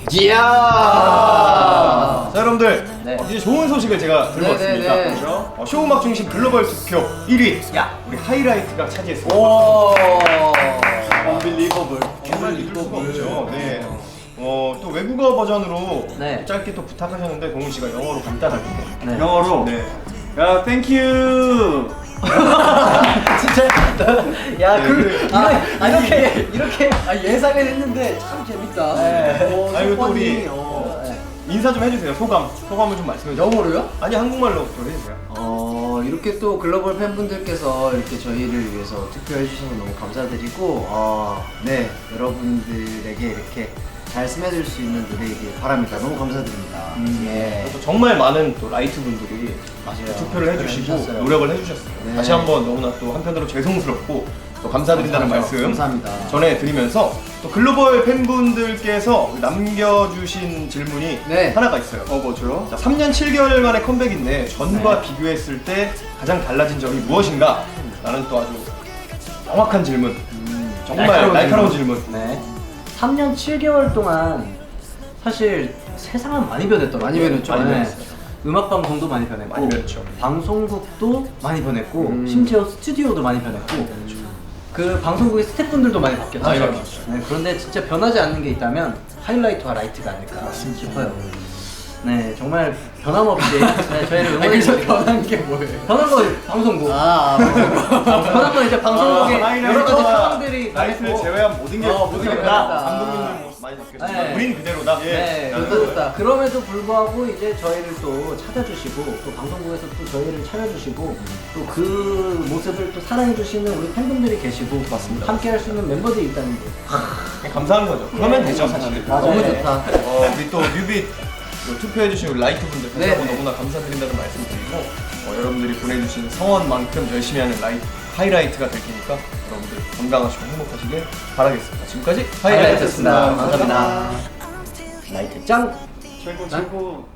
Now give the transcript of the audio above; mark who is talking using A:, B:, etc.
A: 이야.
B: 자 여러분들
A: 네.
B: 이제 좋은 소식을 제가 들고 왔습니다.
A: 네네네.
B: 그렇죠? 쇼음악 중심 글로벌 투표 1위
A: 야.
B: 우리 하이라이트가 차지했습니다.
A: 오.
B: 언빌리버블. 정말 믿을 수가 없죠. 네. 또 외국어 버전으로
A: 네.
B: 짧게 또 부탁하셨는데 동훈 씨가 영어로 간단하게.
A: 네.
C: 영어로.
B: 네.
C: 야, 땡큐.
A: 진짜. 야,
B: 네,
A: 이렇게 예상을 했는데 참 재밌다.
B: 아 이거 또 우리
A: 네.
B: 인사 좀 해주세요. 소감을 좀 말씀해 주세요.
A: 영어로요?
B: 아니 한국말로 좀 해주세요.
A: 이렇게 또 글로벌 팬분들께서 이렇게 저희를 위해서 투표해 주셔서 너무 감사드리고, 네, 여러분들에게 이렇게 잘 스며들 수 있는 노래이길 바랍니다. 너무 감사드립니다. 예.
B: 또 정말 많은 또 라이트 분들이
A: 맞아요.
B: 투표를 해주시고
A: 해주셨어요.
B: 노력을 해주셨어요.
A: 네.
B: 다시 한번 너무나 또 한편으로 죄송스럽고 또 감사드린다는 말씀
A: 감사합니다.
B: 전해드리면서 또 글로벌 팬분들께서 남겨주신 질문이
A: 네.
B: 하나가 있어요.
C: 뭐죠?
B: 자, 3년 7개월 만의 컴백인데 전과
A: 네.
B: 비교했을 때 가장 달라진 점이 무엇인가? 라는 또 아주 정확한 질문. 정말 날카로운 질문.
D: 네. 3년 7개월 동안 사실 세상은 많이 변했더라고요.
A: 많이 변했죠.
B: 많이
D: 네.
B: 변했어요.
D: 음악 방송도 많이 변했고,
B: 많이 변했죠.
D: 방송국도 많이 변했고, 심지어 스튜디오도 많이 변했고, 그 방송국의 스태프분들도 많이 바뀌었죠.
B: 많이 바뀌었죠.
D: 네, 그런데 진짜 변하지 않는 게 있다면 하이라이트와 라이트가 아닐까 싶어요. 네, 정말 변함없이 네, 저희를 응원해 주시고
A: 변한 게 뭐예요?
D: 변한 거 방송국. 변한 건 이제 방송국에 여러 가지 상황들이
B: 라이트를
D: 많고.
B: 제외한 모든 게
A: 모든 게
B: 바뀌었다.
A: 바뀌었다.
B: 감독님들 뭐 많이 바뀌었지만
D: 네.
B: 우린 그대로다.
D: 네,
B: 라는
A: 좋다.
D: 그럼에도 불구하고 이제 저희를 또 찾아주시고 또 방송국에서 또 저희를 찾아주시고 또 그 모습을 또 사랑해주시는 우리 팬분들이 계시고
B: 맞습니다.
D: 함께 할 수 있는 멤버들이 있다는 게
B: 그냥 감사한 거죠. 그러면 되죠 사실.
D: 맞아요.
A: 너무
D: 네.
A: 좋다.
B: 우리 또 뮤빗 투표해주신 우리 라이트 분들 다시
A: 네.
B: 한번 너무나 감사드린다는 말씀드리고 여러분들이 보내주신 성원만큼 열심히 하는 하이라이트가 될 테니까 여러분들 건강하시고 행복하시길 바라겠습니다. 지금까지 하이라이트였습니다.
A: 감사합니다.
D: 라이트 짱!
C: 최고.